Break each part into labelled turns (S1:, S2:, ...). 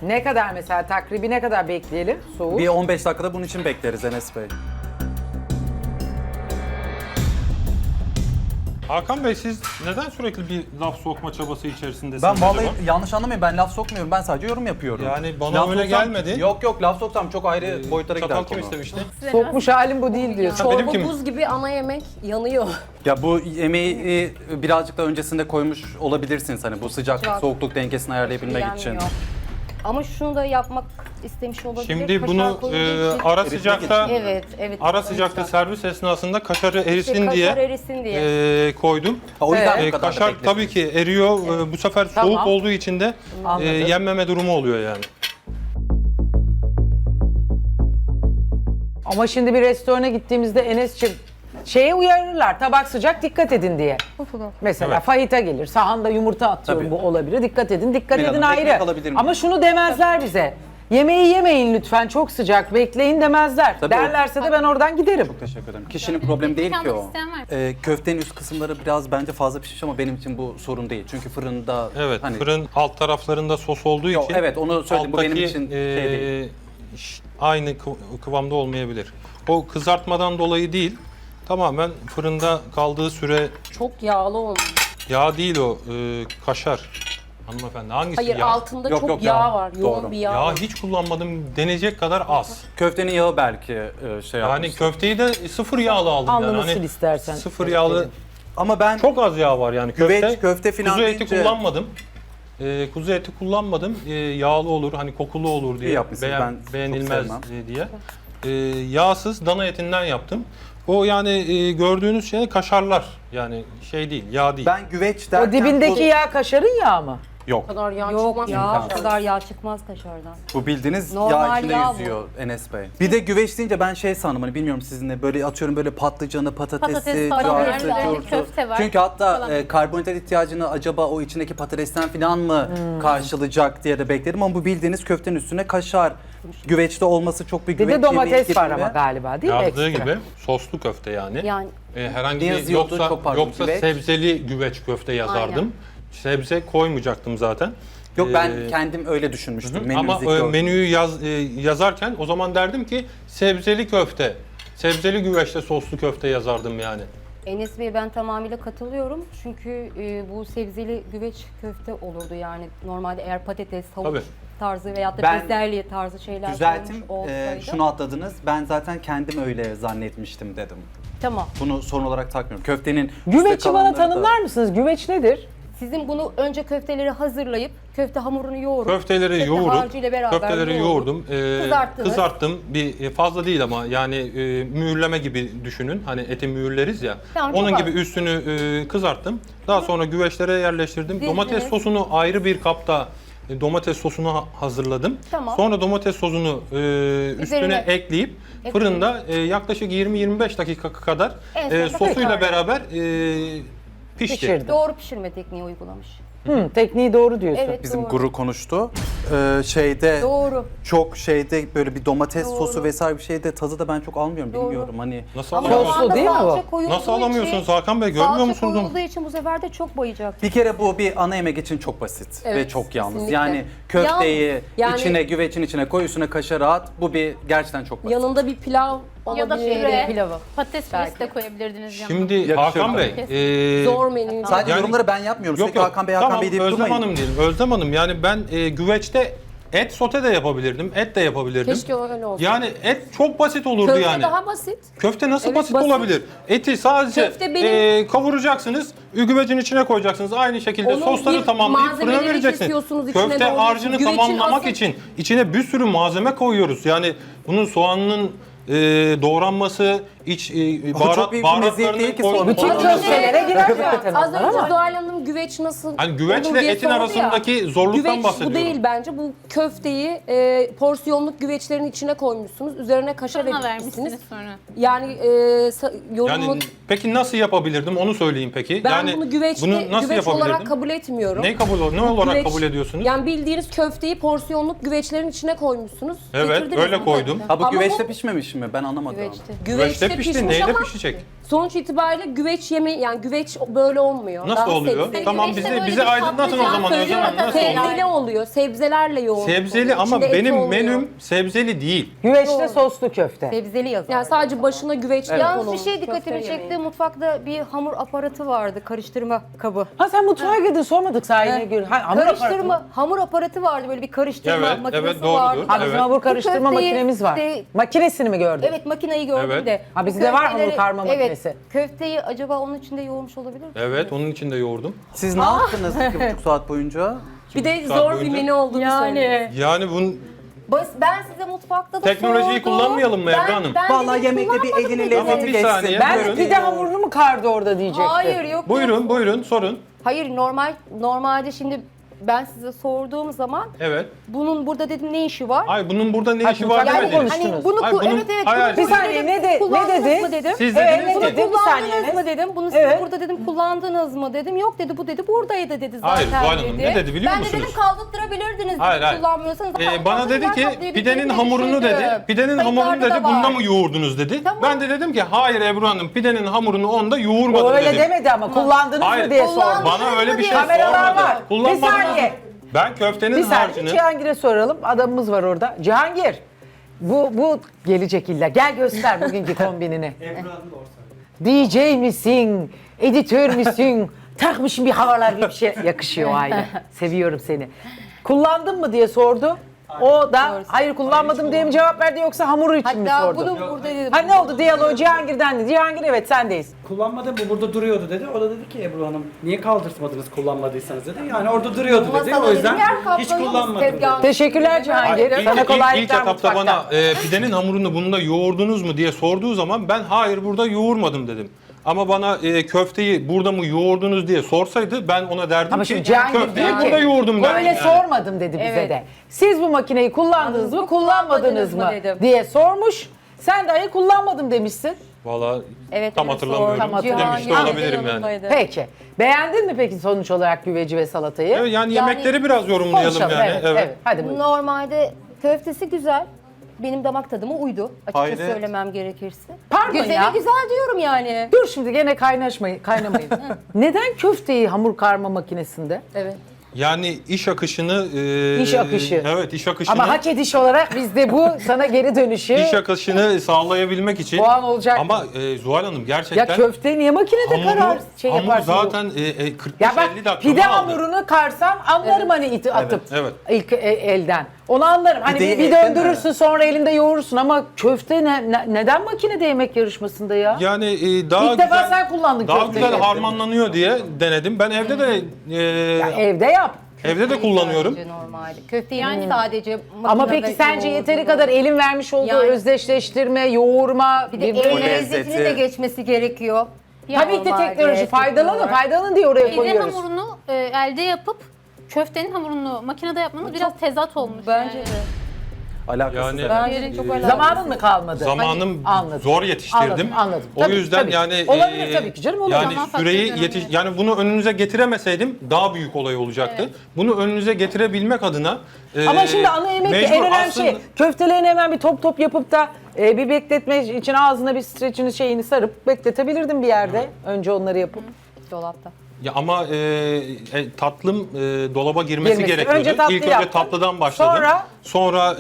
S1: Ne kadar mesela takribi ne kadar bekleyelim soğuk?
S2: Bir 15 dakikada bunun için bekleriz Enes Bey.
S3: Hakan Bey siz neden sürekli bir laf sokma çabası içerisindesiniz
S2: Ben vallahi
S3: acaba?
S2: yanlış anlamayın, ben laf sokmuyorum, ben sadece yorum yapıyorum.
S3: Yani bana
S2: Laf
S3: öyle
S2: soksam-
S3: gelmedi.
S2: Yok laf soksam çok ayrı boyutlara gider
S3: Çatal kim
S2: konu.
S3: istemişti?
S1: Sokmuş halim bu değil diyorsun.
S3: Benim
S4: Çorba
S3: kim?
S4: buz gibi ana yemek yanıyor.
S2: Ya bu yemeği birazcık da öncesinde koymuş olabilirsiniz hani bu sıcaklık soğukluk dengesini ayarlayabilmek için.
S4: Yenmiyor. Ama şunu da yapmak istemiş olabilir.
S3: Şimdi
S4: Kaşar
S3: bunu
S4: koyulduğu için-
S3: ara sıcakta
S4: Evet, evet.
S3: ara sıcakta servis esnasında kaşarı erisin
S4: kaşar
S3: diye
S4: erisin diye.
S3: koydum.
S2: Ha, o yüzden
S1: Evet.
S2: bu kadar da
S3: Kaşar
S2: bekledim.
S3: tabii ki eriyor. Bu sefer
S1: Tamam.
S3: soğuk olduğu için de
S1: Anladım.
S3: yenmeme durumu oluyor yani.
S1: Ama şimdi bir restorana gittiğimizde Enes'ciğim şeye uyarırlar tabak sıcak dikkat edin diye. Mesela
S3: Evet.
S1: fajita gelir sahanda yumurta atıyorum
S2: Tabii.
S1: bu olabilir dikkat edin dikkat
S2: Melih
S1: edin
S2: Hanım, ekmek
S1: ayrı.
S2: alabilir miyim?
S1: Ama şunu demezler bize. Yemeği yemeyin lütfen çok sıcak bekleyin demezler.
S2: Tabii o-
S1: Derlerse de ben oradan giderim.
S2: Teşekkür ederim. Kişinin problemi değil ki
S5: almak
S2: o.
S5: isteyen var.
S2: Köftenin üst kısımları biraz bence fazla pişmiş ama benim için bu sorun değil. Çünkü fırında
S3: Evet,
S2: hani
S3: fırın alt taraflarında sos olduğu
S2: Yok,
S3: için
S2: evet, onu söyledim. Bu benim
S3: alttaki,
S2: için şey değil.
S3: Aynı kıvamda olmayabilir. O kızartmadan dolayı değil, tamamen fırında kaldığı süre
S4: Çok yağlı olmuş.
S3: yağ değil o, kaşar. Hanımefendi hangisi
S4: Hayır
S3: yağ?
S4: altında
S2: Yok,
S4: çok
S2: yok,
S4: yağ
S2: yağ.
S4: var. Yoğun
S2: Doğru.
S4: bir yağ
S3: Yağ
S4: var.
S3: hiç kullanmadım, denecek kadar az.
S2: köftenin yağı belki şey
S3: Yani
S2: yapmış.
S3: köfteyi de sıfır yağlı aldım
S1: Alnını
S3: yani.
S1: sil istersen.
S3: Sıfır yağlı,
S2: Ama ben
S3: çok az yağ var yani.
S2: köfte filan
S3: kuzu eti
S2: deyince-
S3: kullanmadım. Kuzu eti kullanmadım. Yağlı olur, hani kokulu olur diye.
S2: İyi yapmışsınız, ben çok
S3: beğenilmez
S2: sevmem.
S3: diye. Yağsız dana etinden yaptım. O yani gördüğünüz şey kaşarlar. Yani şey değil, yağ değil.
S2: ben güveç derken
S1: O dibindeki yağ kaşarın yağı mı?
S2: yok.
S4: O kadar yağ
S5: Yok
S4: çıkmaz.
S5: ya.
S4: O kadar yağ çıkmaz kaşardan.
S2: Bu bildiğiniz yağ
S4: Normal
S2: içinde
S4: yağ bu.
S2: yüzüyor Enes Bey. Bir de güveç deyince ben şey sandım hani bilmiyorum sizinle böyle atıyorum böyle patlıcanı, patatesi,
S5: Patates falan var,
S2: cartı,
S5: üzerinde
S2: curtu.
S5: köfte var
S2: Çünkü hatta
S5: falan.
S2: karbonhidrat ihtiyacını acaba o içindeki patatesten falan mı karşılayacak diye de bekledim ama bu bildiğiniz köftenin üstüne kaşar. Güveçte olması çok bir
S1: Bir
S2: güveç
S1: de domates
S2: yemeği
S1: var
S2: gibi.
S1: ama galiba değil mi?
S3: Yazdığı
S1: Ekstra?
S3: gibi soslu köfte yani.
S4: Yani
S3: Herhangi
S2: Ne
S3: bir
S2: yazıyordu? Çok pardon,
S3: yoksa
S2: güveç.
S3: sebzeli güveç köfte yazardım.
S4: Aynen.
S3: Sebze koymayacaktım zaten.
S2: Yok ben
S3: Ee,
S2: kendim öyle düşünmüştüm.
S3: Ama
S2: Menümüzdeki gördüm.
S3: menüyü yazarken o zaman derdim ki sebzeli köfte, sebzeli güveçte soslu köfte yazardım yani.
S4: Enes Bey'e ben tamamıyla katılıyorum. Çünkü bu sebzeli güveç köfte olurdu yani. Normalde eğer patates, havuç
S3: Tabii.
S4: tarzı veyahut da
S2: Ben
S4: bezelye tarzı şeyler
S2: Düzeltim,
S4: koymuş olsaydı.
S2: şunu atladınız. Ben zaten kendim öyle zannetmiştim dedim.
S4: Tamam.
S2: Bunu sorun olarak takmıyorum. Köftenin üstte
S1: Güveci bana
S2: kalanları da-
S1: tanımlar mısınız? Güveç nedir?
S4: Sizin bunu önce köfteleri hazırlayıp köfte hamurunu yoğurup
S3: Köfteleri
S4: köfte
S3: yoğurup,
S4: harcıyla beraber
S3: köfteleri
S4: yoğurup
S3: yoğurdum,
S4: kızarttınız.
S3: kızarttım. Fazla değil ama yani mühürleme gibi düşünün. Hani eti mühürleriz ya.
S4: Tamam,
S3: Onun
S4: çok
S3: gibi
S4: az.
S3: üstünü kızarttım. Daha sonra güveçlere yerleştirdim.
S4: Dizdiniz.
S3: Domates sosunu ayrı bir kapta domates sosunu hazırladım.
S4: Tamam.
S3: Sonra domates sosunu üstüne
S4: Üzerine
S3: ekleyip fırında yaklaşık 20-25 dakika kadar
S4: En sonunda
S3: sosuyla
S4: tekrar.
S3: beraber pişti.
S1: Pişirdim.
S4: Doğru pişirme tekniği uygulamış.
S1: Tekniği doğru diyorsun.
S4: Evet
S2: Bizim
S4: doğru.
S2: guru konuştu. Şeyde
S4: Doğru.
S2: çok şeyde böyle bir domates
S4: Doğru.
S2: sosu vesaire bir şeyde tadı da ben çok almıyorum
S4: Doğru.
S2: bilmiyorum hani.
S3: Nasıl
S4: Ama
S3: alamıyorsunuz?
S1: Soslu
S4: o anda
S1: değil mi bu?
S4: salça koyulduğu
S3: Nasıl alamıyorsunuz
S4: için-
S3: Hakan Bey? Görmüyor
S4: salça
S3: musunuz?
S4: koyulduğu için bu sefer de çok bayacak.
S2: Bir kere bu bir ana yemek için çok basit ve
S4: Evet,
S2: çok yalnız.
S4: kesinlikle.
S2: Yani köfteyi
S4: Yalnız, yani-
S2: içine güvecin içine koy üstüne kaşarı at. Bu bir gerçekten çok basit.
S4: Yanında bir pilav
S5: Ya da
S4: olabilir.
S5: püre.
S4: Pilavı.
S5: Patates
S4: Belki.
S5: püresi de koyabilirdiniz yanına.
S3: Şimdi
S2: Yakışır
S3: Hakan
S2: tabii.
S3: Bey,
S4: Zor menü.
S2: Sadece
S3: Yani-
S2: yorumları ben yapmıyorum.
S3: yok
S2: Sürekli
S3: yok.
S2: Hakan Bey, Hakan
S3: Tamam,
S2: Bey deyip
S3: Özlem
S2: durmayın.
S3: Hanım diyelim. Özlem Hanım yani ben güveçte et sote de yapabilirdim, et de yapabilirdim.
S4: Keşke öyle olsa.
S3: Yani et çok basit olurdu
S4: Köfte
S3: yani.
S4: daha basit.
S3: Köfte nasıl
S4: Evet,
S3: basit,
S4: basit.
S3: olabilir? Eti sadece
S4: Köfte benim-
S3: kavuracaksınız, güvecin içine koyacaksınız. Aynı şekilde
S4: Onun
S3: sosları
S4: bir
S3: tamamlayıp fırına
S4: malzemeleri
S3: vereceksiniz.
S4: kesiyorsunuz, içine
S3: Köfte
S4: doğruyorsunuz.
S3: harcını
S4: Güvecin
S3: tamamlamak
S4: asıl-
S3: için içine bir sürü malzeme koyuyoruz. Yani bunun soğanının doğranması, iç
S2: çok büyük bir meziyet değil ki sonuç.
S1: Bütün
S2: Az
S1: köftelere girer zaten
S4: Az
S1: onlar
S4: önce
S1: ama.
S4: Zuhal Hanım güveç nasıl
S3: Hani güveçle
S4: olur diye
S3: etin
S4: sordu ya.
S3: arasındaki zorluktan
S4: Güveç
S3: bahsediyorum.
S4: bu değil bence. Bu köfteyi porsiyonluk güveçlerin içine koymuşsunuz. Üzerine kaşar
S5: Fırına
S4: ekmişsiniz.
S5: vermişsiniz sonra.
S4: Yani yorumu...
S3: Yani peki nasıl yapabilirdim onu söyleyin peki.
S4: ben
S3: yani
S4: bunu güveçte,
S3: bunu nasıl
S4: güveç olarak
S3: yapabilirdim?
S4: kabul etmiyorum.
S3: Ne olarak
S4: Güveç-
S3: kabul ediyorsunuz?
S4: Yani bildiğiniz köfteyi porsiyonluk güveçlerin içine koymuşsunuz.
S3: Evet,
S4: Getirdiniz
S3: öyle
S4: bunu.
S3: koydum.
S2: Ha bu
S4: Ama
S2: güveçte
S4: bu-
S2: pişmemiş mi? Ben anlamadım.
S4: Güveçte.
S3: Güveçte pişti,
S4: pişmiş
S3: neyle
S4: ama
S3: pişecek?
S5: Sonuç itibariyle güveç yani güveç böyle olmuyor.
S3: Nasıl
S5: Daha
S3: oluyor?
S5: sebzeli.
S3: Tamam
S6: Güveçte böyle
S3: bizi
S6: bir
S3: aydınlatın o
S6: patlıcan
S3: zaman Özlem Hanım, nasıl oluyor?
S5: Sebzeli oluyor. Sebzelerle yoğun.
S3: Sebzeli ama
S5: İçinde et
S3: benim
S5: olmuyor.
S3: menüm sebzeli değil.
S1: Güveçte soslu köfte.
S4: Sebzeli yazar.
S5: Yani sadece başına güveç
S4: Yalnız
S5: konulmuş
S4: bir şey dikkatimi
S5: köfte
S4: çekti.
S5: yemeği.
S4: Mutfakta bir hamur aparatı vardı. Karıştırma kabı.
S1: Ha sen mutfağa girdin sormadık sahine gör. Ha, hamur aparatı mı?
S4: Hamur aparatı vardı. Böyle bir karıştırma
S3: Evet,
S4: makinesi
S3: evet, doğrudur.
S4: vardı.
S1: Ha bizim
S3: Evet.
S1: hamur karıştırma
S4: Bu köfteyi
S1: makinemiz var.
S4: işte-
S1: Makinesini mi gördün?
S4: Evet makineyi gördüm
S3: Evet.
S4: de.
S1: Ha,
S4: bu
S1: bizde var hamur
S4: köfteleri-
S1: karma makinesi.
S4: Evet. Köfteyi acaba onun içinde yoğurmuş olabilir mi?
S3: Evet, onun için de yoğurdum.
S2: Siz ne yaptınız 2,5 saat boyunca?
S5: Bir de
S3: saat
S5: zor bir
S3: boyunca-
S5: menü olduğunu söylüyor.
S3: Yani bunun
S4: Ben size mutfakta da
S3: Teknolojiyi
S4: sordum.
S3: kullanmayalım mı Ebru Hanım?
S2: Vallahi
S4: dedim,
S2: yemekte bir
S4: kullanmadım
S2: elinin
S4: dedim.
S3: Tamam,
S2: lezzeti
S3: bir saniye.
S2: geçsin.
S1: Ben de
S3: Buyurun.
S1: pide hamurunu mu kardı orada diyecektim.
S4: Hayır yok.
S3: buyurun sorun.
S4: Hayır normalde şimdi ben size sorduğum zaman
S3: Evet.
S4: bunun burada dedim ne işi var?
S3: Ay bunun burada ne
S1: Ay,
S3: işi var
S1: yani
S3: demediniz.
S1: konuştunuz.
S4: Hani bunu
S3: Ay, bunun-
S4: evet
S3: hayır,
S4: bunu
S1: Bir saniye,
S4: dedim,
S1: ne
S4: kullandınız
S1: dedi?
S4: mı dedim.
S3: Siz
S1: Evet,
S3: dediniz
S1: ne
S3: ki.
S1: dedi? Bir saniye.
S4: Kullandınız mı dedim. Bunu siz
S1: Evet.
S4: burada dedim kullandınız mı dedim. Yok dedi bu dedi buradaydı dedi zaten
S3: Hayır, Zuhal Hanım,
S4: dedi.
S3: ne dedi biliyor
S4: Ben de
S3: musunuz?
S4: dedim kaldırtırabilirdiniz dedim
S3: Hayır, hayır.
S4: kullanmıyorsanız.
S3: Bana dedi ki pidenin hamurunu dedi. Pidenin hamurunu dedi. Bunda mı yoğurdunuz dedi.
S4: Tamam.
S3: Ben de dedim ki hayır Ebru Hanım pidenin hamurunu onda yoğurmadım
S1: O öyle
S3: dedim.
S1: demedi ama kullandınız
S3: Hayır.
S1: mı diye
S4: Kullandım.
S1: sordu.
S3: Bana öyle bir şey
S1: Kameralar
S3: sormadı.
S1: var. Bir
S3: Kullanmadım.
S1: saniye.
S3: Ben köftenin
S1: Bir saniye
S3: harcını
S1: Cihangir'e soralım. Adamımız var orada. Cihangir. Bu gelecek illa. Gel göster bugünkü kombinini. DJ misin? Editör müsün? Takmışım bir havalar bir şey. Yakışıyor aile. Seviyorum seni. Kullandın mı diye sordu. O da hayır kullanmadım diye mi cevap verdi yoksa hamuru için mi
S4: Hatta
S1: sordu?
S4: bunu burada dedim.
S1: Ha ne oldu diyaloğu Cihangir'den dedi. Cihangir evet sendeyiz.
S7: Kullanmadım bu burada duruyordu dedi. O da dedi ki Ebru Hanım niye kaldırtmadınız kullanmadıysanız dedi. Yani orada duruyordu dedi.
S4: Masada
S7: O yüzden
S4: dedim, yer kaplıyor
S7: hiç
S4: musun
S7: kullanmadım dedi.
S4: tezgahın?
S1: Teşekkürler Cihangir.
S3: İlk,
S1: Sana
S3: ilk
S1: kolaylıklar
S3: etapta
S1: mutfakta.
S3: bana pidenin hamurunu bunda yoğurdunuz mu diye sorduğu zaman ben hayır burada yoğurmadım dedim. Ama bana köfteyi burada mı yoğurdunuz diye sorsaydı ben ona derdim
S1: Ama
S3: ki
S1: şimdi Cihangir
S3: köfteyi
S1: diyor ki
S3: burada yoğurdum derdim
S1: öyle
S3: yani.
S1: sormadım dedi bize
S4: Evet.
S1: de. Siz bu makineyi kullandınız mı kullanmadınız mı
S4: dedim.
S1: diye sormuş. Sen dahi kullanmadım demişsin.
S3: Valla
S4: Evet,
S3: tam
S4: evet,
S3: hatırlamıyorum.
S1: Tam hatırlamıyorum.
S3: Demiş de olabilirim yani.
S1: Peki. Beğendin mi peki sonuç olarak güveci ve salatayı?
S3: Evet, yani yemekleri biraz yorumlayalım
S1: Konuşalım,
S3: yani.
S1: evet. Hadi buyurun.
S4: Normalde köftesi güzel. Benim damak tadıma uydu. Açıkçası
S2: Hayret.
S4: söylemem gerekirse.
S1: Pardon
S4: Güzeli
S1: ya.
S4: güzel diyorum yani.
S1: Dur şimdi gene kaynamayın. Neden köfteyi hamur karma makinesinde?
S4: Evet.
S3: Yani iş akışını...
S1: İş akışı.
S3: Evet, iş akışını...
S1: Ama hak ediş olarak biz de bu sana geri dönüşü
S3: İş akışını sağlayabilmek için...
S1: puan olacak.
S3: Ama Zuhal Hanım
S1: Ya
S3: gerçekten...
S1: köfte niye makinede karar şey
S3: hamur
S1: yaparsın?
S3: zaten 45-50
S1: Ya bak
S3: dakika
S1: pide
S3: aldı.
S1: hamurunu karsam anlarım hani iti atıp
S3: evet.
S1: ilk elden. Onu anlarım. Hani
S2: Pideyi
S1: bir
S2: elden
S1: döndürürsün sonra elinde yoğurursun ama köfte neden makinede yemek yarışmasında ya?
S3: Yani daha
S1: İlk defa
S3: güzel,
S1: sen kullandın
S3: daha
S1: köfteyi.
S3: güzel harmanlanıyor diye denedim. Ben evde de
S1: Ya evde yap.
S3: evde de kullanıyorum.
S4: Sadece normalde. Köfteyi yani sadece
S1: Ama
S4: makinede
S1: peki sence yeteri
S4: yoğurduğunu-
S1: kadar elin vermiş olduğu
S4: Yani-
S1: özdeşleştirme, yoğurma,
S4: Bir de el
S1: birbirine-
S4: lezzetini de geçmesi gerekiyor.
S1: Tabii ki
S4: Normalde
S1: teknoloji faydalanın,
S4: olarak.
S1: faydalanın diye oraya
S6: Pide
S1: koyuyoruz.
S6: hamurunu elde yapıp köftenin hamurunu makinede yapmanız biraz tezat olmuş.
S4: Bence
S6: yani.
S4: de.
S2: Alakasız.
S3: Yani-
S2: evet.
S4: Bence de çok alakasız.
S1: Zamanın mı kalmadı?
S3: Zamanım
S1: Anladım.
S3: zor yetiştirdim.
S1: Anladım.
S3: O
S1: Tabii,
S3: yüzden
S1: tabii.
S3: yani
S1: Olabilir tabii ki canım, olur.
S3: Yani
S6: Zaman
S3: süreyi
S6: faktörü
S3: yani bunu önünüze getiremeseydim daha büyük olay olacaktı. Bunu önünüze getirebilmek adına
S1: Ama şimdi ana yemek
S3: mecbur
S1: en önemli
S3: aslında-
S1: şey. Köftelerini hemen bir top yapıp da bir bekletme için ağzına bir streçini şeyini sarıp bekletebilirdim bir yerde. Önce onları yapıp.
S4: Dolapta.
S3: Ya ama tatlım dolaba girmesi
S1: Girmesi.
S3: gerekiyordu.
S1: Önce tatlı
S3: İlk önce
S1: yaptın.
S3: tatlıdan başladım.
S1: Sonra?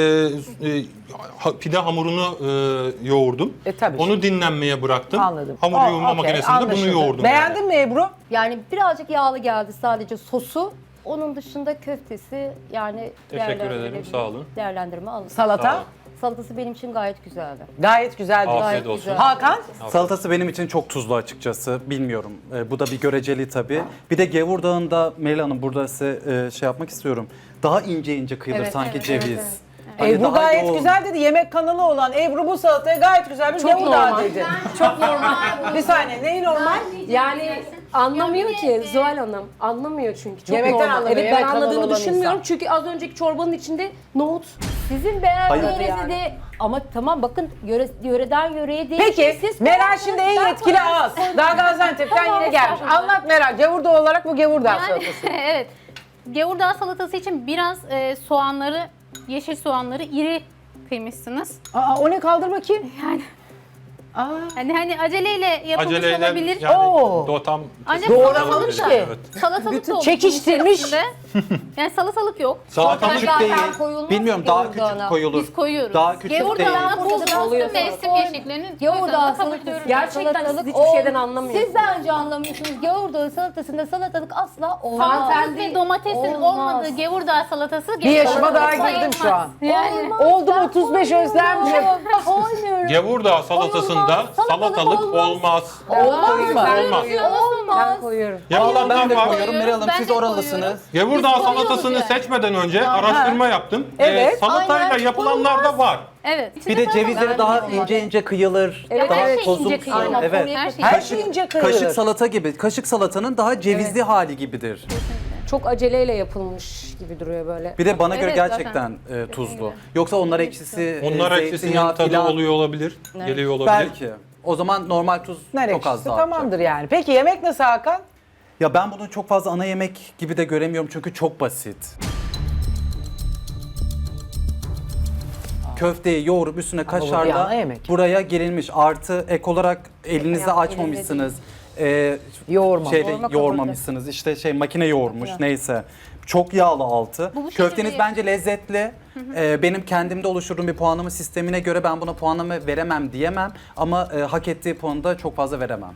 S3: Pide hamurunu yoğurdum.
S1: Tabii.
S3: Onu dinlenmeye bıraktım.
S1: Anladım.
S3: Hamur yoğurma
S1: okey,
S3: makinesinde bunu
S1: anlaşıldı.
S3: yoğurdum.
S1: Beğendin mi Ebru?
S4: Yani birazcık yağlı geldi sadece sosu. Onun dışında köftesi yani
S3: Teşekkür ederim,
S4: değerlendirilebilir.
S3: sağ olun.
S4: Değerlendirme alın.
S1: Salata?
S3: Sağ ol.
S4: Salatası benim için gayet güzeldi.
S1: Gayet güzel.
S3: Afiyet
S4: Gayet
S3: olsun.
S4: güzel.
S1: Hakan?
S2: Salatası benim için çok tuzlu açıkçası. Bilmiyorum. Bu da bir göreceli tabii. Bir de Gevurdağ'ında Melih Hanım burada size şey yapmak istiyorum. Daha ince ince kıyılır
S4: Evet,
S2: sanki
S4: evet,
S2: ceviz.
S4: evet,
S2: Hani
S1: Ebru
S2: daha
S1: gayet
S2: yoğun.
S1: güzel dedi. Yemek kanalı olan Ebru bu salataya gayet güzel bir
S5: Çok
S1: Gevurdağ
S5: normal.
S1: dedi.
S5: Çok normal.
S1: Bir saniye neyi normal?
S5: Yani anlamıyor ki Zuhal Hanım. Anlamıyor çünkü. Çok
S1: Yemekten
S5: normal.
S1: anlamıyor,
S5: Evet
S1: yemek
S5: ben
S1: kanalı
S5: anladığını
S1: olan
S5: düşünmüyorum.
S1: insan.
S5: Çünkü az önceki çorbanın içinde nohut.
S4: Sizin beğendiğinizi
S1: Hayır.
S4: de ama tamam bakın yöreden yöreye değişir.
S1: Peki
S4: Siz
S1: Meral
S4: beğendiniz,
S1: şimdi en
S4: ben
S1: yetkili
S4: koyarım.
S1: ağız. Daha Gaziantep'ten
S6: Tamam,
S1: yine gelmiş.
S6: estağfurullah.
S1: Anlat Meral. Gevurdağ olarak bu Gevurdağ
S6: Yani,
S1: salatası.
S6: evet. Gevurdağ salatası için biraz soğanları, yeşil soğanları iri kıymışsınız.
S1: Aa, o ne kaldır bakayım.
S6: Yani Hani aceleyle yapılmış
S3: Aceleyle
S6: olabilir.
S3: yani
S1: Oo.
S3: o tam
S6: Ancak
S1: Doğramamış
S6: salatalık
S1: ki.
S6: da,
S3: Evet.
S6: salatalık da olur.
S1: çekiştirmiş.
S6: içerisinde. Yani salatalık yok.
S3: Salatalık
S2: Küçük değil.
S4: koyulmaz
S2: Bilmiyorum
S4: ki
S2: daha
S4: gevurdağına.
S2: küçük koyulur.
S6: Biz koyuyoruz.
S2: Daha küçük değil.
S6: Gevurdağına bu
S5: Oluyor.
S6: mevsim yeşillerinin
S4: Gevurdağ
S6: kabul
S4: salatası.
S6: ediyoruz.
S5: Gerçekten siz hiçbir şeyden anlamıyorsunuz.
S4: Siz bence anlamıyorsunuz. Gevurdağ salatasında salatalık asla olmaz.
S6: Salatalık ve domatesin
S4: Olmaz.
S6: olmadığı gevurdağ salatası
S1: Bir yaşıma daha
S6: sayılmaz.
S1: girdim şu an.
S6: Yani
S1: Oldum 35 Özlemciğim.
S4: Koymuyorum.
S3: Gevurdağ salatasında
S4: Olmaz,
S3: salatalık olmaz.
S1: Olmaz mı?
S3: Olmaz.
S4: Olmaz.
S5: Koyuyorum.
S3: Yapılanlar
S2: ben de
S3: var.
S2: koyuyorum. Meral Hanım
S6: Ben
S2: siz
S6: de
S2: oralısınız.
S3: Gevurdağ
S6: Biz koyuyoruz
S3: salatasını
S6: yani.
S3: seçmeden önce araştırma yaptım.
S1: Evet.
S3: Salatayla
S4: Aynen.
S3: yapılanlar da var.
S6: evet.
S2: Bir de cevizleri
S6: Ben
S2: daha
S6: de
S2: ince ince kıyılır.
S5: Evet,
S2: daha
S6: her şey
S2: tozumsu.
S6: ince kıyılır.
S2: Evet.
S6: Her şey
S1: Her şey ince kıyılır.
S2: Kaşık salata gibi. Kaşık salatanın daha cevizli hali gibidir.
S5: Çok aceleyle yapılmış gibi duruyor böyle.
S2: Bir de bana göre
S6: Evet,
S2: gerçekten tuzlu. Yoksa onlar ekşisi,
S3: Onlar
S2: zeytinyağı
S3: ekşisinin tadı
S2: filan.
S3: oluyor olabilir. Geliyor olabilir.
S2: Belki. O zaman normal tuz
S1: Nar
S2: çok az
S1: ekşisi
S2: daha.
S1: tamamdır yani. Peki yemek nasıl Hakan?
S2: Ya ben bunu çok fazla ana yemek gibi de göremiyorum çünkü çok basit. Köfteyi yoğurup üstüne
S1: bu bir ana
S2: kaşarla
S1: yemek.
S2: buraya gerilmiş. Artı ek olarak elinizi açmamışsınız.
S1: Yoğurma.
S2: Yoğurmamışsınız. İşte makine yoğurmuş neyse. Çok yağlı altı.
S6: Bu şekilde
S2: Köfteniz bence lezzetli. Benim kendimde oluşturduğum bir puanlama sistemine göre ben buna puanlama veremem diyemem. Ama hak ettiği puanı da çok fazla veremem.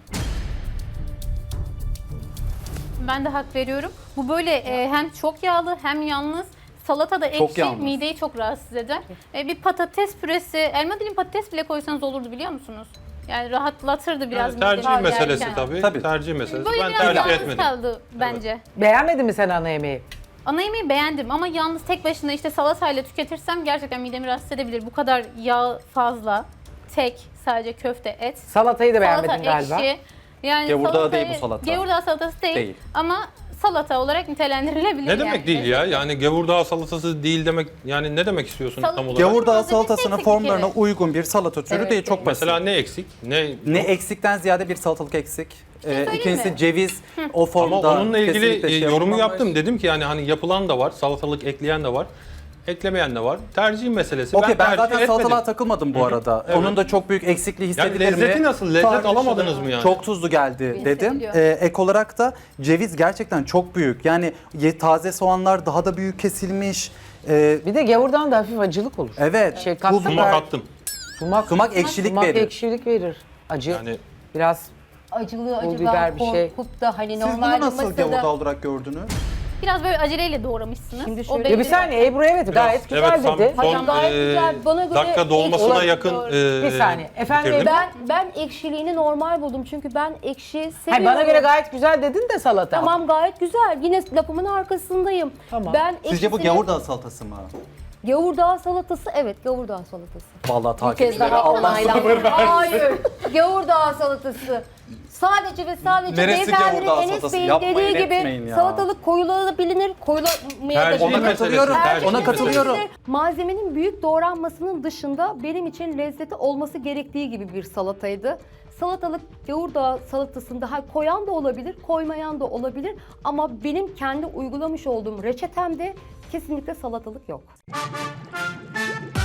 S6: Ben de hak veriyorum. Bu böyle hem çok yağlı hem yalnız. Salata da
S2: Çok
S6: ekşi,
S2: yalnız.
S6: mideyi çok rahatsız eder. Bir patates püresi, elma dilim patates bile koysanız olurdu biliyor musunuz? Yani rahatlatırdı biraz
S3: Yani tercih
S6: mideyi
S3: meselesi
S6: yerken.
S3: tabii.
S2: Tabii.
S3: Tercih meselesi.
S6: Böyle
S3: Ben
S6: biraz
S3: tercih
S6: yalnız
S3: etmedim.
S6: kaldı bence.
S1: Beğenmedin mi sen ana yemeği?
S6: Ana yemeği beğendim ama yalnız tek başına işte salatayla tüketirsem gerçekten midemi rahatsız edebilir. Bu kadar yağ fazla, tek sadece köfte, et.
S1: Salatayı da beğenmedin
S6: Salata
S1: galiba.
S6: ekşi. Yani
S2: Gevurdağ değil bu salata.
S6: Gevurdağ salatası değil,
S2: Değil.
S6: ama salata olarak nitelendirilebilir.
S3: Ne
S6: yani.
S3: demek değil ya? Yani gevurdağ salatası değil demek, yani ne demek istiyorsun tam olarak?
S2: Gevurdağ
S6: Malzemesi
S2: salatasının
S6: eksik bir
S2: formlarına
S6: kere.
S2: uygun bir salata türü
S1: Evet,
S2: değil, çok basit.
S3: Mesela ne eksik?
S2: Ne eksikten ziyade bir salatalık eksik. İkincisi
S6: mi?
S2: ceviz o
S3: Ama
S2: formda.
S3: onunla ilgili
S2: kesinlikle şey
S3: yorumu
S2: yapılmamış.
S3: yaptım. Dedim ki yani hani yapılan da var, salatalık ekleyen de var. Eklemeyen de var. Tercih meselesi.
S2: Okey ben
S3: tercih
S2: zaten
S3: etmedim.
S2: salatalığa takılmadım bu arada.
S3: Evet.
S2: Onun da çok büyük eksikliği
S3: Yani
S2: hissedilir mi?
S3: lezzeti nasıl? Lezzet
S2: Tartışılır.
S3: alamadınız mı yani?
S2: Çok tuzlu geldi dedim.
S6: Hissediliyor.
S2: Ek olarak da ceviz gerçekten çok büyük. Yani taze soğanlar daha da büyük kesilmiş.
S1: Bir de gavurdan da hafif acılık olur.
S2: Evet.
S1: Şey,
S2: pul
S1: kattım
S3: Sumak
S2: biber,
S3: attım.
S1: Sumak
S2: ekşilik
S1: sumak
S2: verir.
S1: ekşilik verir. Acı.
S3: Yani
S1: Biraz
S4: Acılı
S1: Pul
S4: acıdan
S1: biber bir şey.
S4: korkup da hani
S2: Siz bunu
S4: normalde
S2: nasıl
S4: masada...
S2: gavurda olarak gördünüz?
S6: Biraz böyle aceleyle doğramışsınız.
S4: Şimdi
S6: O
S4: şöyle-
S6: belli.
S1: ya bir saniye Ebru evet gayet güzel
S3: evet,
S1: dedi.
S3: son
S4: gayet güzel. Bana göre
S3: dakika dolmasına
S1: olabilir.
S3: yakın
S1: Bir saniye. Efendim,
S3: bitirdim.
S4: Ben ekşiliğini normal buldum çünkü ben ekşi seviyorum.
S1: Hayır, bana göre gayet güzel dedin de salata.
S4: Tamam gayet güzel. Yine lafımın arkasındayım.
S1: Tamam.
S4: Ben
S2: Sizce bu
S4: ekşisini-
S2: gavurdağ salatası mı?
S4: Gavurdağ salatası, evet gavurdağ salatası.
S2: Vallahi
S5: Bir kez
S2: takipçilere
S5: daha
S2: Allah
S5: onaylandı.
S4: Hayır. Gavurdağ salatası. Sadece ve sadece
S2: Neresi
S4: beyefendinin
S2: gavurdağ
S4: Enes
S2: salatası?
S4: Bey'in
S2: Yapmayın,
S4: dediği
S2: etmeyin
S4: gibi
S2: ya.
S4: salatalık koyulabilir, koyulamayabilir.
S3: Tercih
S2: Ona
S3: meselesi,
S2: katılıyorum.
S3: tercih
S2: Ona
S3: meselesi.
S2: katılıyorum.
S4: Malzemenin büyük doğranmasının dışında benim için lezzeti olması gerektiği gibi bir salataydı. Salatalık gavurdağ salatasında koyan da olabilir, koymayan da olabilir ama benim kendi uygulamış olduğum reçetemde kesinlikle salatalık yok.